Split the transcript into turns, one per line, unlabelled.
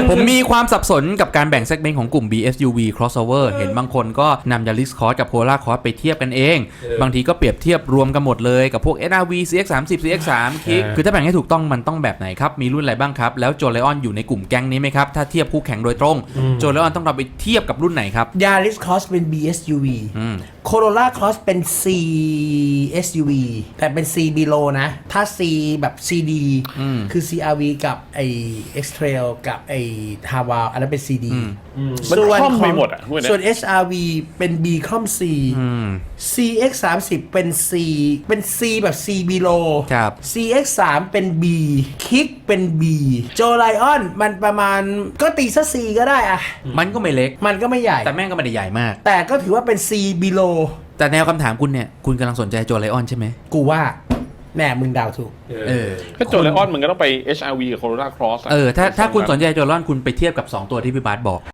ผมมีความสับสนกับการแบ่งเซกเมนต์ของกลุ่ม BSUV crossover เห็นบางคนก็นำ Yaris Cross กับ Polar Cross ไปเทียบกันเองบางทีก็เปรียบเทียบรวมกันหมดเลยกับพวก SRV CX30 CX3 Kick คือถ้าแบ่งให้ถูกต้องมันต้องแบบไหนครับมีรุ่นอะไรบ้างครับแล้วโจไลออนอยู่ในกลุ่มแก๊งนี้ไหมครับถ้าเทียบคู่แข่งโดยตรงโจไลออนต้องเราไปเทียบกับรุ่นไหนครับ
Yaris Cross เป็น BSUV Corolla Cross เป็น CSUV แต่เป็น C below นะถ้า C แบบ CD คือ CRV กับไอ้ X-Trail กับไอ้ Haval อันนั้นเป็น CD
มันคล่อมไปหมดอ่ะ
ส่วน HRV เป็น B คล่อม C CX30 เป็น C เป็น C แบบ C below
ครับ
CX3 เป็น B Kick เป็น B Joe Lion มันประมาณก็ตีซะ C ก็ได้อะ
มันก็ไม่เล็ก
มันก็ไม่ใหญ่
แต่แม่งก็ไม่ได้ใหญ่มาก
แต่ก็ถือว่าเป็น C below
แต่แนวคำถามคุณเนี่ยคุณกำลังสนใจโจไลออนใช่ไหม
กูว่าแน่มึงเดาถูก
ถ้าโจไลออนมันก็ต้องไป HRV กับ Corolla Cross
ถ้าคุณสนใจโจไลออนคุณไปเทียบกับ2ตัวที่พี่บาสบอก